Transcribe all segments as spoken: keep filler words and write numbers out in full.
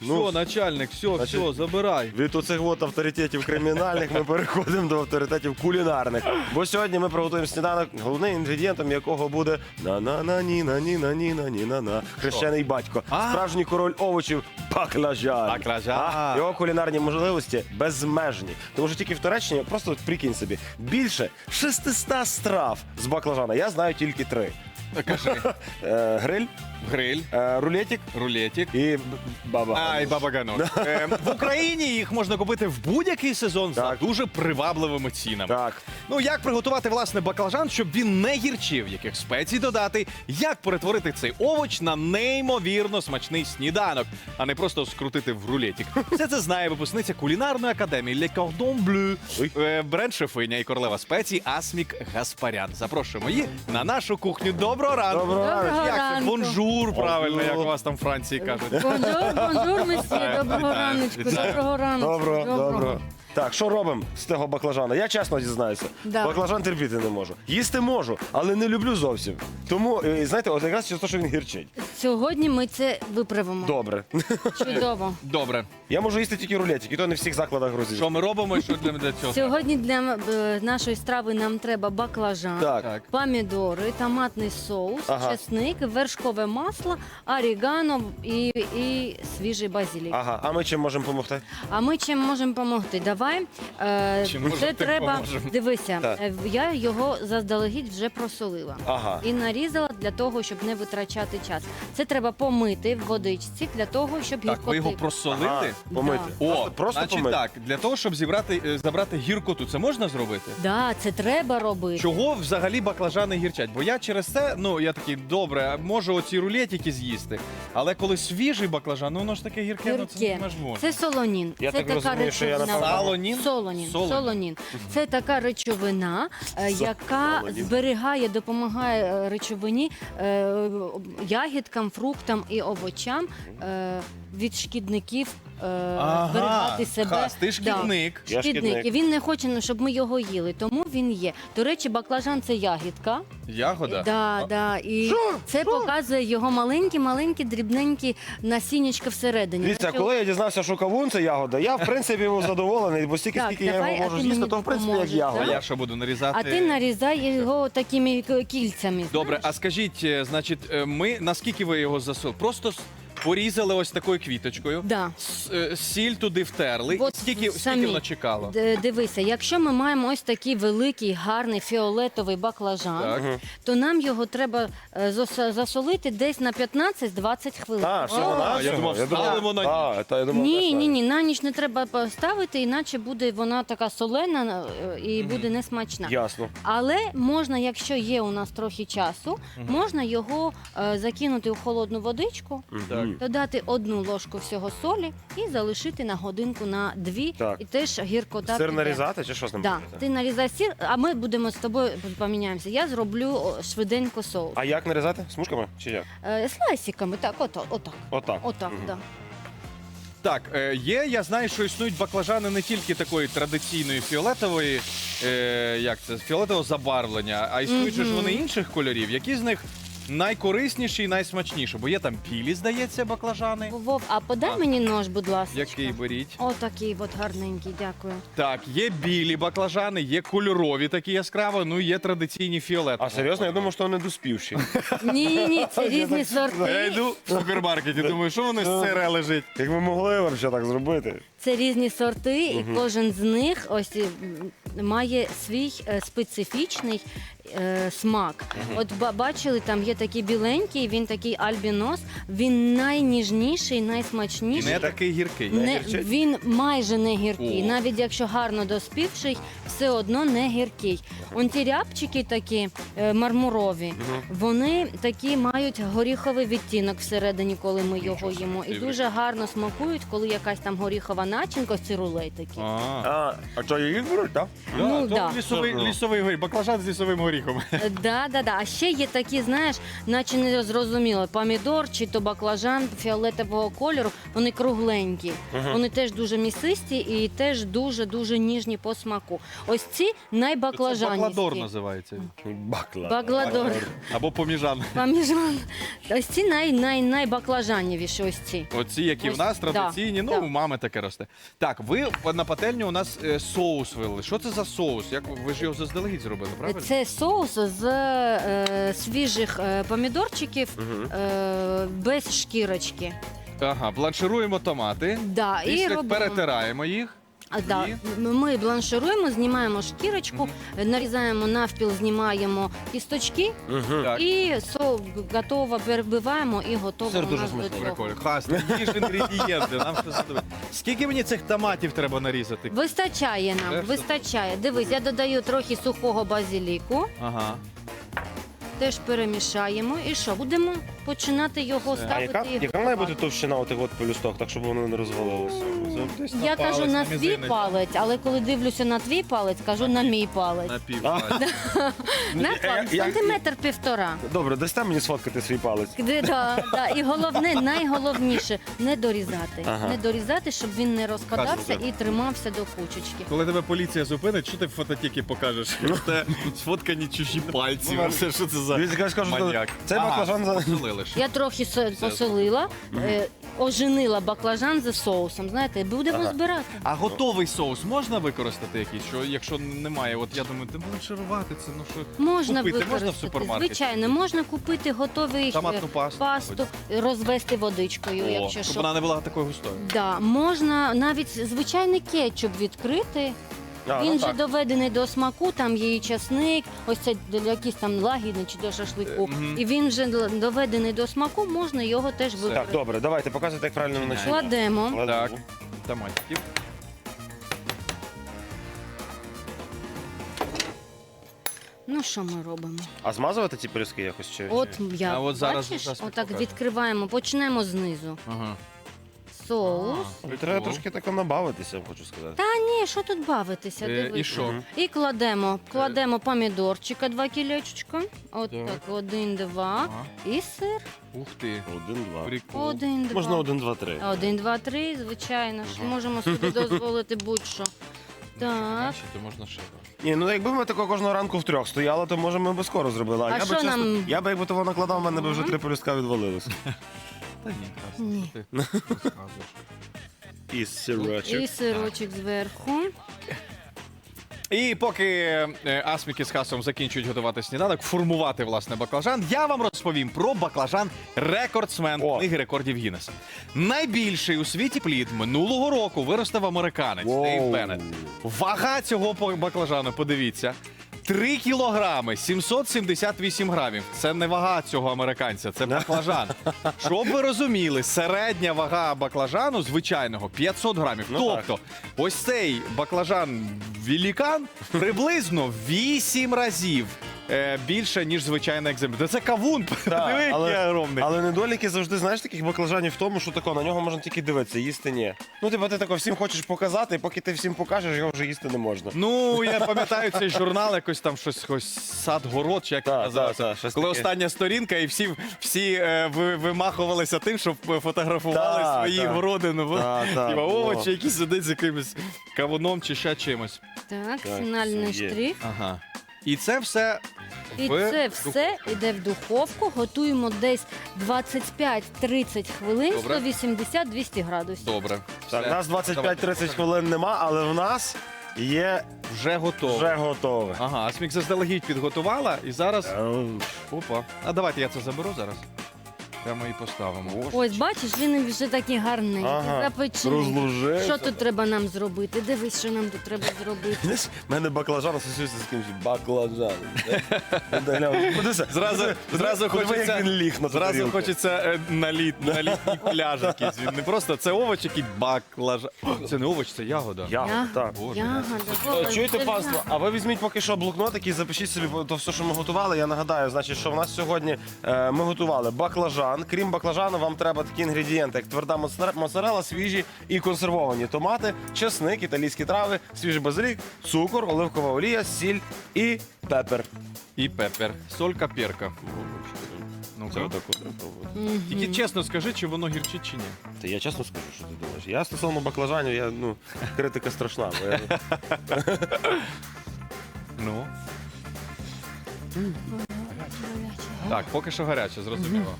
Ну, Все, начальник, все, значить, все, забирай. від оцих от авторитетів кримінальних ми переходимо до авторитетів кулінарних. Бо сьогодні ми приготуємо сніданок, головним інгредієнтом якого буде на-на-на-ні-на-ні-на-ні-на-ні-на-на. Хрещений батько. А. Справжній король овочів баклажан. Баклажан. А, його кулінарні можливості безмежні. Тому що тільки в Туреччині, просто от прикинь собі, більше шестисот страв з баклажана. Я знаю тільки три. Кажи. Е, Гриль, Гриль, е, рулетик рулетик. і б- баба. А, і баба гануш. Е, В Україні їх можна купити в будь-який сезон за Так. дуже привабливими цінами. Так. Ну, як приготувати, власне, баклажан, щоб він не гірчив, яких спецій додати, як перетворити цей овоч на неймовірно смачний сніданок, а не просто скрутити в рулетик. Все це знає випускниця кулінарної академії Le Cordon Bleu, е, бренд-шефиня і королева спецій Асмік Гаспарян. Запрошуємо її на нашу кухню. Доброго ранку! Доброго ранку. Як це? ранку. Бонжур, правильно, як у Бонжур. вас там в Франції кажуть. Бонжур, бонжур, месьє, доброго Вітаю, раночку, вітаю. доброго раночку. Добро, добро. Так, що робимо з того баклажана? Я чесно дізнаюся. Да. Баклажан терпіти не можу. Їсти можу, але не люблю зовсім. Тому, е, знаєте, от якраз через те, що він гірчить. Сьогодні ми це виправимо. Добре. Чудово. Добре. Я можу їсти тільки рулетик, і то не в всіх закладах грузин. Що ми робимо і що для, для цього? Сьогодні для е, нашої страви нам треба баклажан, Так. Так. помідори, томатний соус, Ага. чесник, вершкове масло, орегано і, і свіжий базилік. Ага, а ми чим можемо допомогти? А ми чим можемо допомогти? Давай. Е, Чим можемо, це тим треба. поможемо. Дивися, Так. е, я його заздалегідь вже просолила. Ага. І нарізала для того, щоб не витрачати час. Це треба помити в водичці для того, щоб Так, ви гіркоти. його просолили? Ага, помити. Да. О, Просто, просто значить помити. так, для того, щоб зібрати, е, забрати гіркоту, це можна зробити? Да, це треба робити. Чого взагалі баклажани гірчать? Бо я через це, ну я такий, добре, можу оці рулетики з'їсти, але коли свіжий баклажан, ну воно ж таке гірке, ну це Гірке. не ж можна. Це солонін. Я це так така розумію, що я речовина. напевно- Солонін? Солонін. Солонін. Солонін. Це така речовина, е, яка Солонін. зберігає, допомагає е, речовині, е, ягідкам, фруктам і овочам е, від шкідників е, зберігати себе. Хас, ти Да. шкідник. Я Шкідник. шкідник. І він не хоче, ну, щоб ми його їли, тому він є. До речі, баклажан це ягідка. Ягода? Да, да. І це показує його маленькі, маленькі, дрібненькі насіннячка всередині. Дивіться, Наче- коли я дізнався, що кавун це ягода, я в принципі був задоволений, бо стільки, Так, скільки я давай, його а можу ти з'їсти, мені то в принципі як допоможеш, ягода. А да? я що буду нарізати? А ти нарізай його такими к- кільцями. Добре, а скажіть, е, значить, е, ми наскільки ви його засолили? Просто с- порізали ось такою квіточкою. Да. С- е, Сіль туди втерли. От І скільки, скільки самі. воно чекало? Д- Дивися, якщо ми маємо ось такий великий, гарний фіолетовий баклажан, Так. то нам його треба е, зас- засолити десь на п'ятнадцять-двадцять хвилин. А, всього А, на я думав, ставимо на А, та я думав, Ні, так, ні, ні, на ніч не треба поставити, іначе буде вона така солена е, і буде несмачна. Ясно. Але можна, якщо є у нас трохи часу, можна його е, закинути у холодну водичку, Так. додати одну ложку всього солі і залишити на годинку на дві. Так. І теж гіркота. Сир піде. нарізати чи що з ним? Да. робити? Ти нарізай сир, а ми будемо з тобою поміняємося. Я зроблю о, швиденько соус. А як нарізати? Смужками чи як? Е, слайсиками, так, ото, отак. Отак. Отак, Мгм. да. Так, е, є, я знаю, що існують баклажани не тільки такої традиційної фіолетової, е, як це, фіолетового забарвлення, а існують же ж Мгм. вони інших кольорів. Які з них найкорисніші і найсмачніші? Бо є там білі, здається, баклажани. Вов, а подай А. мені нож, будь ласка. Який беріть? Отакий от гарненький, дякую. Так, є білі баклажани, є кольорові такі яскраво, ну і є традиційні фіолетові. А серйозно, я думав, що вони доспівші. Ні, ні, ні, це різні Я сорти. йду в супермаркеті, думаю, що воно з сире лежить. Як ми могли взагалі так зробити? Це різні сорти, і кожен з них ось м, має свій е, специфічний е, смак. От ба- бачили, там є такий біленький, він такий альбінос, він найніжніший, І найсмачніший. не такий гіркий. Не, гірчить? він майже не гіркий. О. Навіть якщо гарно доспівший, все одно не гіркий. Он ті рябчики такі е, мармурові, вони такі мають горіховий відтінок всередині, коли ми його їмо. І собі. дуже гарно смакують, коли якась там горіхова начинка, ці рулетики. А, А, а що їх беруть, так? да, Ну, то да. лісовий, лісовий горіх, баклажан з лісовим горіхом. сміхом. Да, да, да. А ще є такі, знаєш, наче не зрозуміло, помідор чи то баклажан фіолетового кольору, вони кругленькі. Вони теж дуже місисті і теж дуже-дуже ніжні по смаку. Ось ці Це найбаклажаністі. бакладор називається. Бакла. Багладор. Або поміжан. Поміжан. Ось ці най, най, найбаклажанівіші ось ці. Оці, які Ось, в нас да, традиційні, ну, да. у мами таке росте. Так, ви на пательню у нас е, соус вилили. Що це за соус? Як ви- ви ж його заздалегідь зробили, правильно? Це соус з е, свіжих е, помідорчиків е, без шкірочки. Ага, бланшируємо томати. Да, і Після робимо. перетираємо їх. А, да. І? Ми бланшируємо, знімаємо шкірочку, нарізаємо навпіл, знімаємо кісточки Угу. Так. і со готово перебиваємо і готово Сир у дуже нас до смачний. цього. Прикольно. Хас, їж інгредієнти. Нам що задумати. Скільки мені цих томатів треба нарізати? Вистачає Це нам, все вистачає. Дивись, я додаю трохи сухого базиліку, Ага. теж перемішаємо. І що, будемо починати його Все. А ставити. яка, і яка має бути готувати. товщина отих от полюсток, так щоб воно не розвалилося? Я кажу на свій палець, але коли дивлюся на твій палець, кажу на мій палець. На пів. А. На Е, палець, я- сантиметр півтора. Добре, дасте мені сфоткати свій палець. Де, да, да. І головне, найголовніше не дорізати. Ага. Не дорізати, щоб він не розпадався Казуйте. і тримався до кучечки. Коли тебе поліція зупинить, що ти в фототіки покажеш? Це сфоткані чужі пальці. Ну, Все, що це за Дивіться, я скажу, що маньяк. цей баклажан за- посолили ще. Я трохи со- посолила, е, оженила баклажан за соусом. Знаєте, будемо Ага. збирати. А готовий соус можна використати якийсь? Що, якщо немає, от я думаю, ти бланширувати це, ну що Можна купити використати. можна в супермаркеті? Звичайно, можна купити готовий е, Томатну пасту. пасту, розвести водичкою, О, якщо щоб що. вона не була такою густою. Да, можна навіть звичайний кетчуп відкрити. А, Він ну вже так. доведений до смаку, там є і часник, ось це для якісь там лагідний чи до шашлику. Е, мгм. І він вже л- доведений до смаку, можна його теж Так, використати. добре, давайте, показуйте, як правильно начинати. Кладемо. Так, томатиків. Ну що ми робимо? А змазувати ці пиріжки якось чи? От чи- я А от зараз- бачиш, зараз ми отак покажемо. відкриваємо, почнемо знизу. Ага. Соус. Ну, треба трошки тако набавитися, хочу сказати. Та ні, що тут бавитися? Е, Дивись. і що? Мгм. І кладемо, кладемо помідорчика, два кілечечка. От Так. так, один, два. Ага. І сир. Ух ти. Один, два. Прикол. Один, два. Можна один, два, три. Один, два, три, звичайно ж. Мгм. Можемо собі дозволити будь-що. Так. Бачите, можна ще. Ні, ну якби ми тако кожного ранку в трьох стояли, то може ми би скоро зробили. А, А я би що чесно, нам? я би якби того накладав, в мене би вже Мгм. три полюстка відвалилися. Та ні, Красна, Ні. що ти розказуєш. І сирочок. І сирочок зверху. І поки е, Асміки з Хасом закінчують готувати сніданок, формувати власне баклажан, я вам розповім про баклажан рекордсмен О. книги рекордів Гіннеса. Найбільший у світі плід минулого року виростив американець Воу. Дейв Беннет. Вага цього по- баклажану, подивіться. три кілограми сімсот сімдесят вісім грамів. Це не вага цього американця, це баклажан. Щоб ви розуміли, середня вага баклажану звичайного п'ятсот грамів. Ну тобто, ось цей баклажан великан приблизно вісім разів е, більше, ніж звичайний екземпляр. Це кавун, подиви, але- який огромний. Але недоліки завжди, знаєш, таких баклажанів в тому, що тако, на нього можна тільки дивитися, їсти ні. Ну, типу, ти тако всім хочеш показати, і поки ти всім покажеш, його вже їсти не можна. Ну, я пам'ятаю цей журнал, якось там щось, щось сад-город, чи як Так, це називається. так, так, щось Коли таке. остання сторінка, і всі, всі е, ви- вимахувалися тим, щоб фотографували Так, свої так. городи, ну, Так, так, типа, було. овочі, які сидять з якимось кавуном чи ще чимось. Так, Так, фінальний це є. штрих. Ага. І це все І в це дух- все йде в духовку. Готуємо десь двадцять п'ять тридцять хвилин, Добре. сто вісімдесят двісті градусів. Добре. Так, Все. у нас двадцять п'ять тридцять Давайте. хвилин нема, але в нас є Вже готово. вже готове. Ага, Асмік заздалегідь підготувала, і зараз. Ем, Опа. А давайте я це заберу зараз. Прямо і поставимо. Ось бачиш, він вже такий гарний, Ага, запечений. розложився. Що тут треба нам зробити? Дивись, що нам тут треба зробити. Знаєш, в мене баклажан асоціюється з кимось баклажаном. Подивися, Зразу, подивися, зразу подиви, хочеться, як він ліг на ту зразу тарілку. хочеться е, на, літ, на літній пляж якийсь. Він не просто це овоч, який баклажан. Це не овоч, це ягода. Ягода, так. Боже. Ягода. Е, Вова, Чуєте, це панство, а ви візьміть поки що блокнотик і запишіть собі то все, що ми готували. Я нагадаю, значить, що в нас сьогодні е, ми готували баклажан. баклажан. Крім баклажану, вам треба такі інгредієнти, як тверда моцаре- моцарелла, свіжі і консервовані томати, чесник, італійські трави, свіжий базилік, цукор, оливкова олія, сіль і пепер. І пепер. Солька, перка. Ну-ка. Це отак от треба пробувати. Тільки чесно скажи, чи воно гірчить чи ні. Та я чесно скажу, що ти думаєш. Я стосовно баклажанів, я, ну, критика страшна. Бо я... Ну. Так, поки що гаряче, зрозуміло.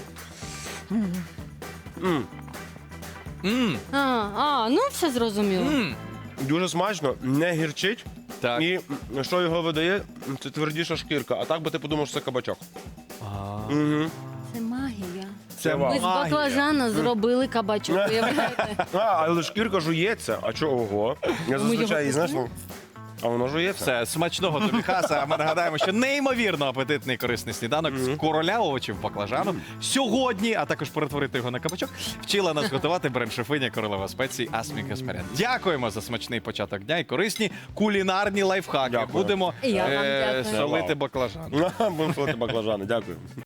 М, Мм, А, а, ну все зрозуміло. мм. Дуже смачно, не гірчить. Так. І м, що його видає, це твердіша шкірка. А так би ти подумав, що це кабачок. Угу. Це магія. Це Ми з вау. баклажана зробили кабачок, уявляєте? А, але шкірка жується. А чого? Ого. Я зазвичай його її, знаєш, ну, а воно жується. Все, смачного тобі, Хаса. А ми нагадаємо, що неймовірно апетитний корисний сніданок з короля овочів баклажану сьогодні, а також перетворити його на кабачок, вчила нас готувати бренд-шефиня королева спецій Асмі Каспарян. Дякуємо за смачний початок дня і корисні кулінарні лайфхаки. Дякую. Будемо І я вам е, дякую. солити баклажан. Будемо солити баклажани. Дякую.